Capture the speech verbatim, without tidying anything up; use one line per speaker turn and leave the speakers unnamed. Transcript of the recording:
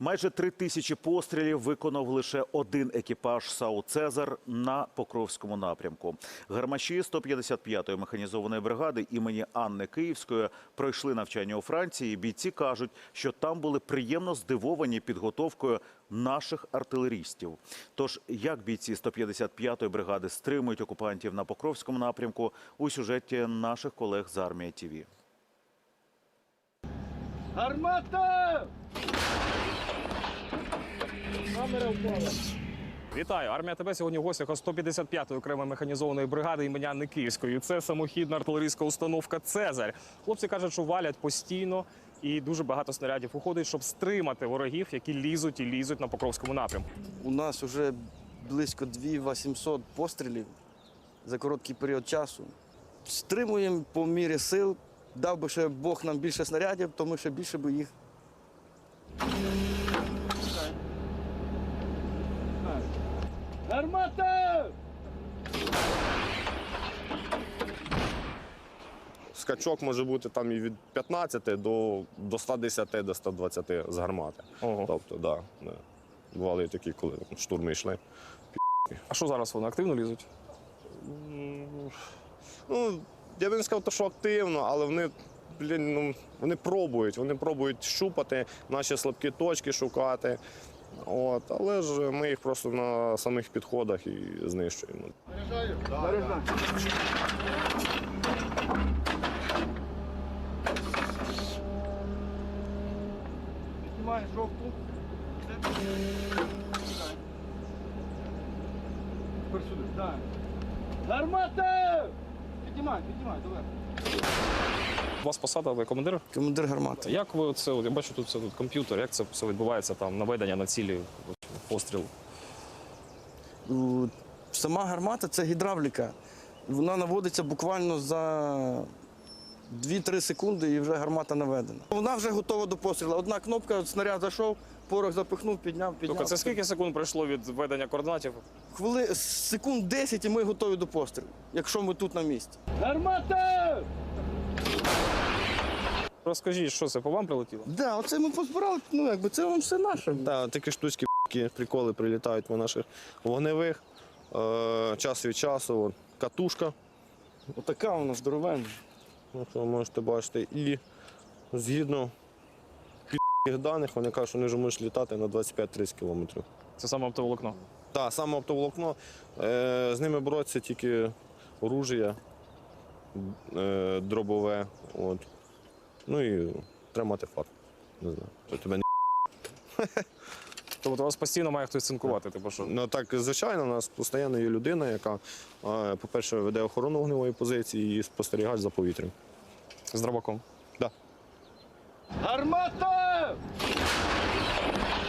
Майже три тисячі пострілів виконав лише один екіпаж САУ «Цезар» на Покровському напрямку. Гармаші сто п'ятдесят п'ятої механізованої бригади імені Анни Київської пройшли навчання у Франції. Бійці кажуть, що там були приємно здивовані підготовкою наших артилерістів. Тож, як бійці сто п'ятдесят п'ятої бригади стримують окупантів на Покровському напрямку, у сюжеті наших колег з Армія ТВ.
Гармата! Камера впала.
Вітаю! Армія ТБ сьогодні в гостях у сто п'ятдесят п'ятої окремої механізованої бригади імені Анни Київської. Це самохідна артилерійська установка «Цезарь». Хлопці кажуть, що валять постійно і дуже багато снарядів уходить, щоб стримати ворогів, які лізуть і лізуть на Покровському напрямку.
У нас вже близько дві тисячі вісімсот пострілів за короткий період часу. Стримуємо по мірі сил. Дав би ще Бог нам більше снарядів, то ми ще більше би їх.
Гармата!
Скачок може бути там і від п'ятнадцяти до, до ста десяти, до ста двадцяти з гармати.
Ого.
Тобто, да, да. Бували і такі, коли штурми йшли.
А що зараз вони активно лізуть?
Ну, я б не сказав, що активно, але вони, блін, ну, вони пробують, вони пробують щупати, наші слабкі точки шукати. От, але ж ми їх просто на самих підходах і знищуємо.
Заряджаю. Заряджаю. Піднімай жовту. Тепер сюди. Так. Гармата! Піднімай, піднімай, давай.
У вас посада, ви командир?
Командир гармати.
Як ви це, я бачу, тут це тут комп'ютер, як це все відбувається, там, наведення на цілі, постріл?
У- Сама гармата – це гідравліка. Вона наводиться буквально за дві-три секунди і вже гармата наведена. Вона вже готова до пострілу. Одна кнопка, снаряд зайшов, порох запихнув, підняв, підняв.
Тобто це скільки секунд пройшло від введення координатів?
Хвили... Секунд десять і ми готові до пострілу, якщо ми тут на місці.
Гармата!
Розкажіть, що це, по вам прилетіло?
Так, да, оце ми позбирали, ну якби це вам все наше.
Так, такі штучки, приколи прилітають по наших вогневих. Е, час від часу, от, катушка,
Отака вона здоровенна.
ну, що ви можете бачити. І згідно під даних, вони кажуть, що вони вже можуть літати на двадцять п'ять-тридцять кілометрів.
Це саме оптоволокно.
Так, саме оптоволокно. Е, з ними боротися тільки оружія, е, дробове. От. Ну і тримати факт. Не знаю, що тебе не.
Тобто вас постійно має хтось цинкувати, типу що?
Ну так, звичайно, у нас постійно є людина, яка, е, по-перше, веде охорону вогневої позиції і спостерігає за повітрям.
З дробаком.
Да.
Гармата!